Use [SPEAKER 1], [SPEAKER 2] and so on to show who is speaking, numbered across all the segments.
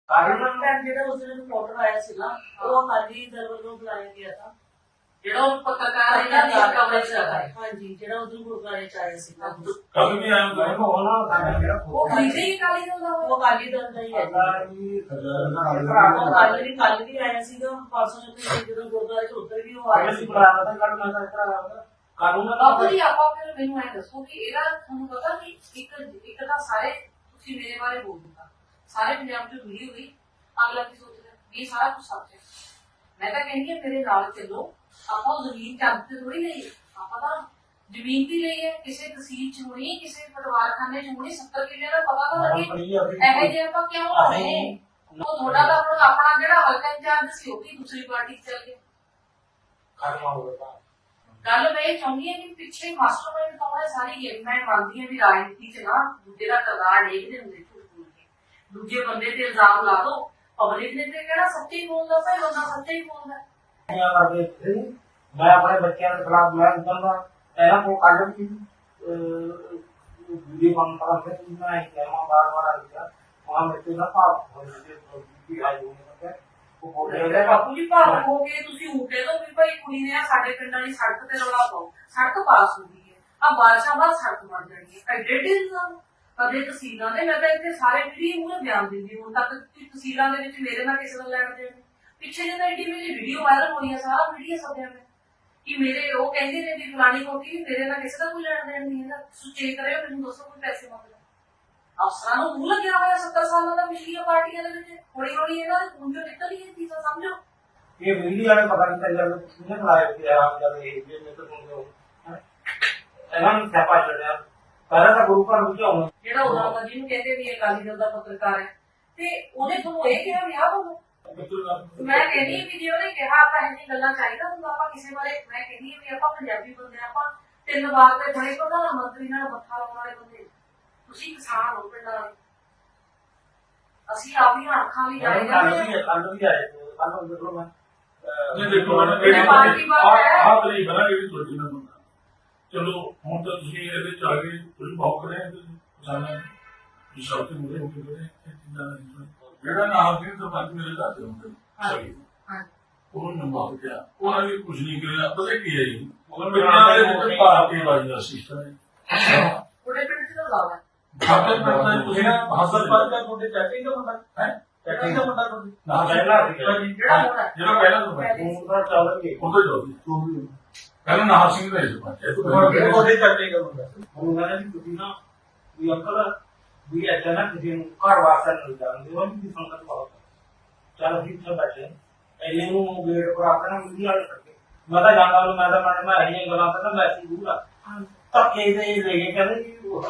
[SPEAKER 1] ਜਿਹੜਾ ਉਸ ਦਿਨ ਰਿਪੋਰਟਰ ਆਇਆ ਸੀ ਨਾ, ਉਹ ਅਕਾਲੀ ਦਲ ਵੱਲੋਂ ਬੁਲਾਇਆ ਗਿਆ था।
[SPEAKER 2] ਜਿਹੜਾ ਉਹ ਪੱਤਰਕਾਰ ਇਹਨਾਂ ਦੀ ਕਵਰੇਜ ਕਰ ਰਿਹਾ ਹੈ।
[SPEAKER 1] ਹਾਂਜੀ, ਜਿਹੜਾ ਉਸ ਦਿਨ ਗੁਰਦੁਆਰੇ ਚ ਆਇਆ ਸੀ।
[SPEAKER 3] कभी भी आया तो
[SPEAKER 2] ਉਹ ਖਰੀਦੇ ਹੀ ਅਕਾਲੀ ਦਲ ਦਾ
[SPEAKER 1] ਉਹ ਅਕਾਲੀ ਦਲ ਦਾ ਹੀ ਹੈ ਜੀ।
[SPEAKER 3] वो
[SPEAKER 1] ਉਹ ਕੱਲ ਵੀ ਆਇਆ ਸੀਗਾ, ਪਰਸੋਂ ਜਦੋਂ ਗੁਰਦੁਆਰੇ ਚ ਉੱਧਰ ਵੀ ਉਹ ਆਇਆ ਸੀ।
[SPEAKER 2] ਬਾਪੂ ਜੀ ਆਪਾਂ ਫਿਰ ਮੈਨੂੰ ਐ ਦੱਸੋ ਕਿ ਇਹਦਾ ਤੁਹਾਨੂੰ ਪਤਾ ਕਿ ਇੱਕ ਤਾਂ ਸਾਰੇ ਤੁਸੀਂ ਮੇਰੇ ਬਾਰੇ ਬੋਲ ਦਿੱਤਾ, ਸਾਰੇ ਪੰਜਾਬ ਚ ਵੀਡੀਓ ਗਈ, ਅਗਲਾ ਕੀ ਸੋਚਦਾ ਇਹ ਸਾਰਾ ਕੁਝ ਸੱਚ ਹੈ। ਮੈਂ ਤਾਂ ਕਹਿੰਦੀ ਹਾਂ ਮੇਰੇ ਨਾਲ ਚੱਲੋ, ਆਪਾਂ ਉਹ ਜ਼ਮੀਨ ਚੰਦ ਤੇ ਥੋੜੀ ਲਈ, ਆਪਾਂ ਤਾਂ ਜ਼ਮੀਨ ਵੀ ਲਈ ਹੈ, ਕਿਸੇ ਤਹਿਸੀਲ ਚ ਹੋਣੀ, ਕਿਸੇ ਪਟਵਾਰਖਾਨੇ ਚ ਹੋਣੀ, 70 ਕਿੱਲੇ ਦਾ ਪਤਾ ਤਾਂ ਲੱਗੇ। ਇਹੋ ਜਿਹੇ ਆਪਾਂ ਕਿਉਂ ਹੋਣੇ? ਉਹ ਤੁਹਾਡਾ ਤਾਂ ਆਪਣਾ ਜਿਹੜਾ ਹਲਕਾ ਇੰਚਾਰਜ ਸੀ ਉਹ ਵੀ ਦੂਸਰੀ ਪਾਰਟੀ ਚ ਚੱਲ ਗਿਆ। ਗੱਲ ਮੈਂ ਇਹ ਚਾਹੁੰਦੀ ਹਾਂ ਕਿ ਪਿੱਛੇ ਮਾਸਟਰਮਾਈਂਡ ਕੌਣ ਹੈ ਸਾਰੀ ਗੇਮ। ਮੈਂ ਮੰਨਦੀ ਹਾਂ ਵੀ ਰਾਜਨੀਤੀ ਚ ਨਾ ਦੂਜੇ ਦਾ ਕਰਦਾਰ ਦੇਖਦੇ ਹੁੰਦੇ, ਝੂਠ ਬੋਲ ਕੇ ਦੂਜੇ ਬੰਦੇ ਤੇ ਇਲਜ਼ਾਮ ਲਾ ਦੋ। ਪਬਲਿਕ ਨੇ ਤੇ ਕਿਹੜਾ ਸੱਚੀ ਬੋਲਦਾ, ਭਾਈ ਬੰਦਾ ਸੱਚਾ ਹੀ ਬੋਲਦਾ।
[SPEAKER 4] मैं अपने बच्चों के खिलाफ मैं निकलना पहला को कल भी वीडियो कॉन्फ्रेंस में मैं कहना बार-बार आ गया वहां मेरे ना पाप हो गई आई होने वो बोल रहे थे
[SPEAKER 2] ਬਾਪੂ ਜੀ ਭਾਵੁਕ ਹੋ ਕੇ ਤੁਸੀਂ ਉੱਠੇ ਤੋਂ ਵੀ ਭਾਈ ਕੁੜੀ ਨੇ ਸਾਡੇ ਪਿੰਡਾਂ ਦੀ ਸੜਕ ਤੇ ਰੌਲਾ ਪਾਓ, ਸੜਕ ਪਾਸ ਹੋ ਗਈ ਹੈ, ਆ ਬਾਰਿਸ਼ਾਂ ਬਾਅਦ ਸੜਕ ਬਣ ਜਾਣੀ ਹੈ। ਐਡੇ ਕਦੇ ਤਹਿਸੀਲਾਂ ਦੇ, ਮੈਂ ਤਾਂ ਇੱਥੇ ਸਾਰੇ ਵੀਡੀਓ ਮੂਹਰੇ ਬਿਆਨ ਦਿੰਦੀ ਹੁਣ ਤੱਕ ਕਿ ਤਹਿਸੀਲਾਂ ਦੇ ਵਿੱਚ ਮੇਰੇ ਨਾਲ ਕਿਸੇ ਦਾ ਲੈਣ ਦੇਣ। ਪਿੱਛੇ ਜਿਹਦਾ ਐਡੀ ਮੇਰੀ ਵੀਡੀਓ ਵਾਇਰਲ ਹੋਣੀ ਹੈ, ਸਾਰਾ ਮੀਡੀਆ ਸਭਿਆਂ ਨੇ ਕਿ ਮੇਰੇ ਉਹ ਕਹਿੰਦੇ ਨੇ ਵੀ ਫਲਾਣੀ ਕੋਠੀ ਮੇਰੇ ਨਾਲ ਕਿਸੇ ਦਾ ਕੋਈ ਲੈਣ ਦੇਣ ਨਹੀਂ ਹੈਗਾ। ਤੁਸੀਂ ਚੈੱਕ ਕਰਿਓ, ਮੈਨੂੰ ਦੱਸੋ ਕੋਈ ਪੈਸੇ ਮੰਗਦਾ। ਅਫਸਰਾਂ ਨੂੰ ਮੂੰਹ ਲੱਗਿਆ ਹੋਇਆ 70 ਸਾਲਾਂ ਦਾ ਪਿਛਲੀਆਂ ਪਾਰਟੀਆਂ ਦੇ ਵਿੱਚ, ਹੌਲੀ ਹੌਲੀ ਇਹਨਾਂ ਦੇ ਖੂਨ ਚੋਂ ਨਿਕਲ ਹੀ ਇਹ ਚੀਜ਼ਾਂ ਸਮਝੋ।
[SPEAKER 4] ये वीडियो वाले पता नहीं चल जाए किसने बुलाया कि आप जब ये में तो सुन रहे ਇਹਨਾਂ ਨੂੰ ਸਿਆਪਾ ਚੜਿਆ ਪਹਿਲਾਂ ਤਾਂ ਗੁਰੂ ਘਰ ਵਿੱਚ ਆਉਣਾ
[SPEAKER 2] ਜਿਹੜਾ ਉਹਦਾ ਜਿਹਨੂੰ ਕਹਿੰਦੇ ਵੀ ਅਕਾਲੀ ਦਲ ਦਾ ਪੱਤਰਕਾਰ ਹੈ, ਤੇ ਉਹਨੇ ਤੁਹਾਨੂੰ ਇਹ ਕਿਹਾ ਵੀ ਆਹ ਬੋਲੋ। ਮੈਂ ਕਹਿੰਦੀ ਵੀ ਜੇ ਉਹਨੇ ਕਿਹਾ ਤਾਂ ਇਹ ਜੀ ਗੱਲਾਂ ਚਾਹੀਦਾ ਹੁੰਦਾ। ਆਪਾਂ ਕਿਸੇ ਬਾਰੇ, ਮੈਂ ਕਹਿੰਦੀ ਵੀ ਆਪਾਂ ਪੰਜਾਬੀ ਬੰਦੇ, ਆਪਾਂ 3 ਵਾਰ ਤੇ ਬੜੇ ਪ੍ਰਧਾਨ ਮੰਤਰੀ ਨਾਲ ਮੱਥਾ ਲਾਉਣ ਵਾਲੇ ਬੰਦੇ। ਤੁਸੀਂ ਕਿਸਾਨ ਹੋ ਪਿੰਡਾਂ ਵਾਲੇ, ਅਸੀਂ ਆਪਣੀਆਂ ਅੱਖਾਂ ਲਈ ਜਾਏ ਜਾਂਦੇ ਹਾਂ।
[SPEAKER 4] ਕੱਲ ਵੀ ਆਏ ਕੱਲ ਦੇਖੋ ਮੈਂ
[SPEAKER 3] नहीं देखो आप नहीं बना ये छोटी ना बना चलो हम तो ਤੁਸੀਂ ਇਹਦੇ ਚ ਆ ਗਏ ਤੁਸੀਂ ਬਹੁਤ ਕਰੇ ਜਾਣਾ ਜੀ ਸਭ ਤੋਂ ਮੁਰੇ ਹੋ ਕੇ ਕਰੇ ਜਿਹੜਾ ਨਾਮ ਸੀ ਤਾਂ ਬਾਕੀ ਮੇਰੇ ਦਾਦੇ ਹੁੰਦੇ ਸਹੀ ਉਹ ਨੰਬਰ ਗਿਆ ਉਹਨਾਂ ਨੇ ਕੁਝ ਨਹੀਂ ਕਰਿਆ ਪਤਾ ਕੀ ਹੈ ਜੀ ਉਹਨਾਂ ਦੇ ਵਿੱਚ ਭਾਰਤੀ ਬਾਜੀ ਦਾ ਸਿਸਟਮ ਹੈ
[SPEAKER 2] ਉਹਦੇ ਪਿੰਡ ਚ ਤਾਂ ਲਾਵਾ
[SPEAKER 3] ਸਾਡੇ ਪਿੰਡ ਦਾ ਤੁਸੀਂ
[SPEAKER 4] ਹਾਸਲ ਪਾਲ ਦਾ ਤੁਹਾਡੇ ਚੈਕਿੰਗ ਦਾ ਮੁੰਡਾ
[SPEAKER 3] ਹੈ
[SPEAKER 4] ਚੈਕਿੰਗ ਦਾ ਮੁੰਡਾ ਤੁਹਾਡੇ
[SPEAKER 3] ਨਾ ਜਿਹੜਾ ਪਹਿਲਾਂ ਤੋਂ
[SPEAKER 4] ਹੁਣ ਤਾਂ ਚੱਲ ਗਏ
[SPEAKER 3] ਉਹ ਤੋਂ ਜਲਦੀ ਪਹਿਲਾਂ ਨਾਮ ਸਿੰਘ ਦਾ ਇਸ ਪਾਸੇ
[SPEAKER 4] ਉਹਦੇ ਚੈਕਿੰਗ ਦਾ ਮੁੰਡਾ ਉਹਨਾਂ ਨੇ ਵੀ ਤੁਸੀਂ ਨਾ ਵੀ ਅੰਕਲ ਵੀ ਅਚਾਨਕ ਕਿਸੇ ਨੂੰ ਘਰ ਵਾਸਤੇ ਨਹੀਂ ਜਾਂਦੇ ਉਹ ਵੀ ਸੰਗਤ ਬਹੁਤ ਚੱਲ ਅਸੀਂ ਇੱਥੇ ਬੈਠੇ ਇਹਨੇ ਨੂੰ ਗੇਟ ਪਰ ਆਪਣਾ ਵੀਡੀਓ ਵਾਲੇ ਕਰਕੇ ਮੈਂ ਤਾਂ ਜਾਂਦਾ ਨੂੰ ਮੈਂ ਤਾਂ ਮੈਂ ਇਹ ਗੱਲਾਂ ਤਾਂ ਮੈਂ ਸੀ ਦੂਰਾ ਧੱਕੇ ਦੇ ਲੈ ਕੇ ਕਹਿੰਦੇ ਜੀ ਉਹ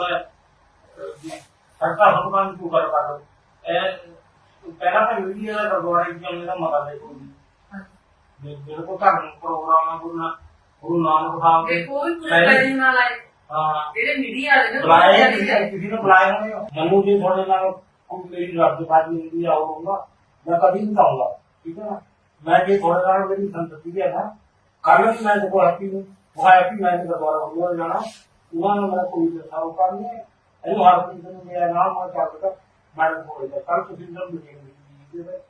[SPEAKER 4] ਸਰਕਾਰ ਨੂੰ ਕੰਮ ਕਿਉਂ ਕਰਦਾ ਇਹ ਪਹਿਲਾਂ ਤਾਂ ਵੀਡੀਓ ਦਾ ਗੁਰਦੁਆਰੇ ਵਿੱਚ ਦਾ ਮਤਾ ਦੇ ਕੋਈ ਬਿਲਕੁਲ ਧਰਮ ਪ੍ਰੋਗਰਾਮ ਗੁਰੂ ਨਾਨਕ ਸਾਹਿਬ ਦੇ
[SPEAKER 2] ਦੇਖੋ ਵੀ ਪੂਰੇ ਪੈਸੇ ਨਾਲ ਆਏ।
[SPEAKER 4] ਹਾਂ
[SPEAKER 2] ਜਿਹੜੇ ਮੀਡੀਆ ਵਾਲੇ ਨੇ
[SPEAKER 4] ਬੁਲਾਏ ਕਿਸੇ ਨੂੰ ਬੁਲਾਏ ਹੋਣੇ ਮੈਨੂੰ ਜੇ ਤੁਹਾਡੇ ਨਾਲ ਕੋਈ ਮੇਰੀ ਰੱਬ ਬਾਤ ਹੁੰਦੀ ਆਊਗਾ ਮੈਂ ਕਦੀ ਨਹੀਂ ਆਊਂਗਾ ਠੀਕ ਹੈ ਨਾ ਮੈਂ ਜੇ ਤੁਹਾਡੇ ਨਾਲ ਮੇਰੀ ਸੰਤਤੀ ਹੈ ਨਾ ਕੱਲ ਵੀ ਮੈਂ ਦੇਖੋ ਹੈਪੀ ਨੂੰ ਉਹ ਹੈਪੀ ਮੈਂ ਗੁਰਦੁਆਰਾ ਹੋ ਜਾਣਾ ਉਹਨਾਂ ਨੂੰ ਮੇਰਾ ਕੋਈ ਦਸਾਓ ਕਰਨੀ ਹੈ ਇਹਨੂੰ ਹਰ ਕਿਸੇ ਨੂੰ ਮੇਰਾ ਨਾਮ ਮੈਂ ਚੱਲਦਾ ਮੈਂ ਹੋਏਗਾ ਕੱਲ ਤੁਸੀਂ ਜਦ ਮੀਟਿੰਗ ਦੇ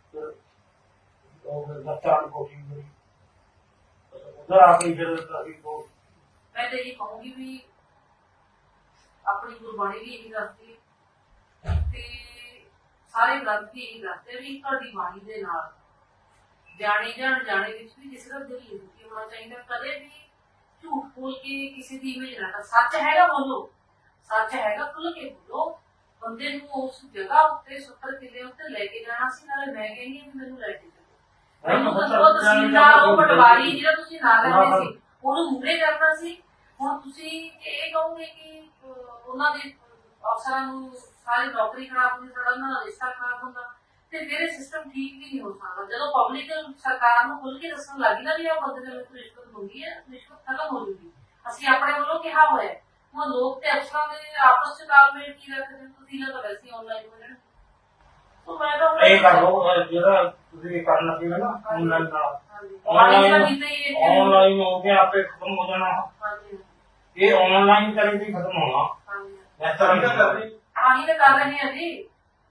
[SPEAKER 4] ਉਹ ਬੱਚਾ ਨੂੰ ਕੋਸ਼ਿਸ਼ ਕਰੀ ਉਧਰ ਆ ਕੇ ਫਿਰ ਅਸੀਂ ਕੋ
[SPEAKER 2] ਮੈਂ ਤਾਂ ਇਹ ਕਹੂੰਗੀ ਵੀ ਆਪਣੀ ਗੁਰਬਾਣੀ ਵੀ ਇਹੀ ਦੱਸਦੀ ਤੇ ਸਾਰੇ ਗ੍ਰੰਥ ਵੀ ਇਹੀ ਦੱਸਦੇ ਵੀ ਤੁਹਾਡੀ ਬਾਣੀ ਦੇ ਨਾਲ ਜਾਣੇ ਵਿੱਚ ਵੀ ਕਿਸੇ ਦਾ ਦਿਲ ਨਹੀਂ ਦੁਖੀ ਹੋਣਾ ਚਾਹੀਦਾ। ਕਦੇ ਵੀ ਝੂਠ ਬੋਲ ਕੇ ਕਿਸੇ ਦੀ ਇਮੇਜ ਨਾ, ਸੱਚ ਹੈਗਾ ਬੋਲੋ, ਸੱਚ ਹੈਗਾ ਖੁੱਲ ਕੇ ਬੋਲੋ। ਬੰਦੇ ਨੂੰ ਉਸ ਜਗ੍ਹਾ ਉੱਤੇ 70 ਕਿੱਲੇ ਉੱਤੇ ਲੈ ਕੇ ਜਾਣਾ ਸੀ, ਨਾਲੇ ਮੈਂ ਕਹਿੰਦੀ ਹਾਂ ਮੈਨੂੰ ਲੈ ਕੇ ਜਾਓ। ਮੈਨੂੰ ਤਾਂ ਤਹਿਸੀਲਦਾਰ ਉਹ ਪਟਵਾਰੀ ਜਿਹੜਾ ਤੁਸੀਂ ਨਾਲ ਲੈਂਦੇ ਸੀ ਉਹਨੂੰ ਮੂਹਰੇ ਕਰਨਾ ਸੀ। ਹੁਣ ਤੁਸੀਂ ਇਹ ਕਹੋਗੇ ਕਿ ਉਹਨਾਂ ਦੇ ਅਫਸਰਾਂ ਨੂੰ ਸਾਰੀ ਨੌਕਰੀ ਖਰਾਬ ਹੁੰਦੀ, ਸਾਡਾ ਉਹਨਾਂ ਦਾ ਰਿਸ਼ਤਾ ਖਰਾਬ ਹੁੰਦਾ, ਤੇ ਫਿਰ ਇਹ ਸਿਸਟਮ ਠੀਕ ਵੀ ਨਹੀਂ ਹੋ ਸਕਦਾ। ਜਦੋਂ ਪਬਲਿਕ ਸਰਕਾਰ ਨੂੰ ਖੁੱਲ ਕੇ ਦੱਸਣ ਲੱਗੀ ਨਾ ਵੀ ਆਹ ਬੰਦੇ ਨੇ ਮੈਨੂੰ ਰਿਸ਼ਵਤ ਮੰਗੀ ਹੈ, ਰਿਸ਼ਵਤ ਖਤਮ ਹੋ ਜੂਗੀ। ਅਸੀਂ ਆਪਣੇ ਵੱਲੋਂ ਕਿਹਾ ਹੋਇਆ। ਹੁਣ ਲੋਕ ਤੇ ਅਫਸਰਾਂ ਦੇ ਆਪਸ ਚ ਤਾਲਮੇਲ ਕੀ ਰੱਖਦੇ, ਤੁਸੀਂ ਨਾ ਤਾਂ ਵੈਸੇ ਆਨਲਾਈਨ ਹੋ ਜਾਣ। ਸੋ ਮੈਂ ਤਾਂ
[SPEAKER 4] ਇਹ ਕਰ ਲਓ ਜਿਹੜਾ ਤੁਸੀਂ ਕਰਨ ਲੱਗੇ ਹੋ ਨਾ ਆਨਲਾਈਨ ਨਾਲ ਆਨਲਾਈਨ ਹੋ ਗਿਆ ਆਪੇ ਖਤਮ ਹੋ ਜਾਣਾ। ਇਹ ਆਨਲਾਈਨ ਕਰੇ ਵੀ ਖਤਮ ਹੋਣਾ। ਇਸ ਤਰ੍ਹਾਂ
[SPEAKER 2] ਆਹੀ ਤਾਂ ਕਰ ਰਹੇ ਹਾਂ ਜੀ।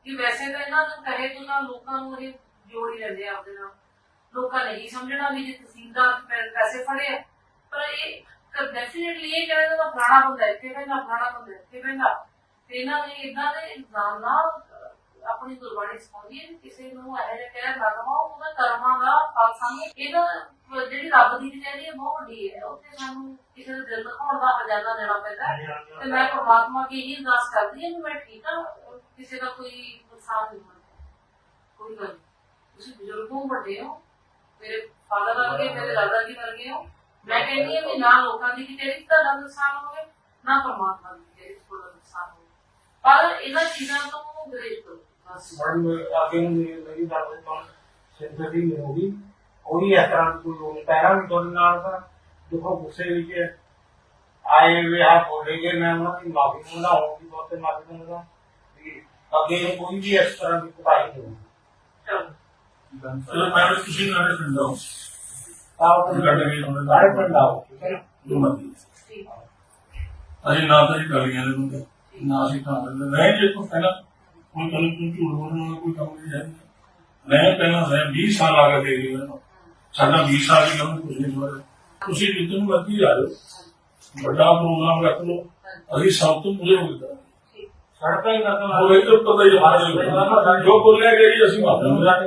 [SPEAKER 2] ਕਿ ਵੈਸੇ ਤਾਂ ਇਹਨਾਂ ਨੂੰ ਕਹੇ ਤੋਂ ਤਾਂ ਲੋਕਾਂ ਨੂੰ ਇਹ ਜੋੜ ਹੀ ਲੈਂਦੇ ਆ ਆਪਦੇ ਨਾਲ। ਲੋਕਾਂ ਨੇ ਇਹ ਸਮਝਣਾ ਵੀ ਜੇ ਤਹਿਸੀਲਦਾਰ ਪੈਸੇ ਫੜੇ ਆ, ਪਰ ਇਹ ਡੈਫੀਨੇਟਲੀ ਇਹ ਕਹਿੰਦੇ ਤਾਂ ਫਲਾਣਾ ਬੰਦਾ ਇੱਥੇ ਬਹਿੰਦਾ, ਫਲਾਣਾ ਬੰਦਾ ਇੱਥੇ ਬਹਿੰਦਾ। ਤੇ ਇਹਨਾਂ ਨੇ ਇਦਾਂ ਦੇ ਇਲਜ਼ਾਮ ਨਾਲ ਆਪਣੀ ਗੁਰਬਾਣੀ ਸਿਖਾਉਂਦੀ ਹੈ, ਕਿਸੇ ਨੂੰ ਇਹੋ ਜਿਹਾ ਕਹਿ ਲੱਗਵਾ ਉਹਦਾ ਕਰਮਾਂ ਦਾ ਫਲ ਸਾਨੂੰ। ਇਹਦਾ ਜਿਹੜੀ ਰੱਬ ਦੀ ਕਚਹਿਰੀ ਹੈ ਬਹੁਤ ਵੱਡੀ ਹੈ, ਉੱਥੇ ਸਾਨੂੰ ਕਿਸੇ ਦੇ ਦਿਲ ਦਿਖਾਉਣ ਦਾ ਖਜ਼ਾਨਾ ਦੇਣਾ ਪੈਂਦਾ। ਤੇ ਮੈਂ ਪਰਮਾਤਮਾ ਕੀ ਇਹੀ ਅਰਦਾਸ ਕਰਦੀ ਹਾਂ ਕਿ ਮੈਂ ਠੀਕ ਹਾਂ, ਕਿਸੇ ਦਾ ਕੋਈ ਨੁਕਸਾਨ ਨਹੀਂ ਹੋਣਾ। ਕੋਈ ਗੱਲ ਨਹੀਂ, ਤੁਸੀਂ ਬਜ਼ੁਰਗੋਂ ਵੱਡੇ ਹੋ, ਮੇਰੇ ਫਾਦਰ ਵਰਗੇ, ਮੇਰੇ ਦਾਦਾ ਜੀ ਵਰਗੇ ਹੋ। ਮੈਂ ਕਹਿੰਦੀ ਹਾਂ ਵੀ ਨਾ ਲੋਕਾਂ ਦੀ ਕਚਹਿਰੀ ਤੁਹਾਡਾ ਨੁਕਸਾਨ ਹੋਵੇ, ਨਾ ਪਰਮਾਤਮਾ ਦੀ ਕਚਹਿਰੀ ਤੁਹਾਡਾ ਨੁਕਸਾਨ ਹੋਵੇ, ਪਰ ਇਹਨਾਂ ਚੀਜ਼ਾਂ ਤੋਂ ਗੁਰੇਜ਼ ਕਰੋ ਬਸ।
[SPEAKER 4] ਅੱਗੇ ਨੂੰ ਮੇਰੀ ਗੱਲ ਤੋਂ ਸਿੰਪਥੀ ਨਹੀਂ ਹੋਗੀ, ਕੋਈ ਇਸ ਤਰ੍ਹਾਂ ਦੀ ਕੋਈ ਲੋੜ ਨਹੀਂ। ਪਹਿਲਾਂ ਵੀ ਤੁਹਾਡੇ ਨਾਲ ਤਾਂ ਦੇਖੋ ਗੁੱਸੇ ਵਿੱਚ ਆਏ ਵੇ ਆ ਬੋਲੇਗੇ, ਮੈਂ ਉਹਨਾਂ ਦੀ ਮਾਫੀ ਮੰਗਾਉਂਗੀ, ਬਹੁਤ ਮਾਫੀ ਮੰਗਦਾ ਵੀ ਅੱਗੇ ਕੋਈ ਵੀ ਇਸ ਤਰ੍ਹਾਂ ਦੀ ਕੁਤਾਹੀ ਨਹੀਂ ਹੋਊਗੀ।
[SPEAKER 3] ਚਲੋ ਮੈਂ ਤੁਸੀਂ ਨਾਲੇ ਪਿੰਡ ਆਓ,
[SPEAKER 4] ਆਪ ਸਾਰੇ ਪਿੰਡ ਆਓ, ਠੀਕ ਹੈ ਨਾ?
[SPEAKER 3] ਜੋ ਮਰਜ਼ੀ।
[SPEAKER 2] ਠੀਕ ਹੈ।
[SPEAKER 3] ਅਸੀਂ ਨਾ ਤਾਂ ਇਹ ਗਾਲੀਆਂ ਦੇ ਦਿੰਦੇ, ਨਾ ਅਸੀਂ ਖਾਣ ਦਿੰਦੇ। ਮੈਂ ਜੇ ਤੋਂ ਪਹਿਲਾਂ ਕੋਈ ਤੁਹਾਨੂੰ ਝੂਠ ਬੋਲਣ ਵਾਲਾ ਕੋਈ ਕੰਮ ਨਹੀਂ ਹੈ। ਮੈਂ ਪਹਿਲਾਂ 20 ਸਾਲ ਆ ਕੇ ਦੇ ਰਹੀ ਮੈਨੂੰ, ਸਾਡਾ 20 ਸਾਲ ਹੀ ਕੰਮ ਕੁਝ ਨਹੀਂ ਹੋਇਆ। ਤੁਸੀਂ ਜਿੱਦਨ ਮਰਜ਼ੀ ਆ ਜਾਓ, ਵੱਡਾ ਪ੍ਰੋਗਰਾਮ ਰੱਖ ਲਓ, ਅਸੀਂ ਸਭ ਤੋਂ ਮੁਝੇ ਹੋ ਗਏ
[SPEAKER 4] ਸੜਕਾਂ ਹੀ ਕਰਦਾ
[SPEAKER 3] ਉਹ ਇੱਕ ਪਤਾ ਹੀ ਜੋ ਬੋਲਿਆ ਗਿਆ ਜੀ ਅਸੀਂ ਮਾਫੀ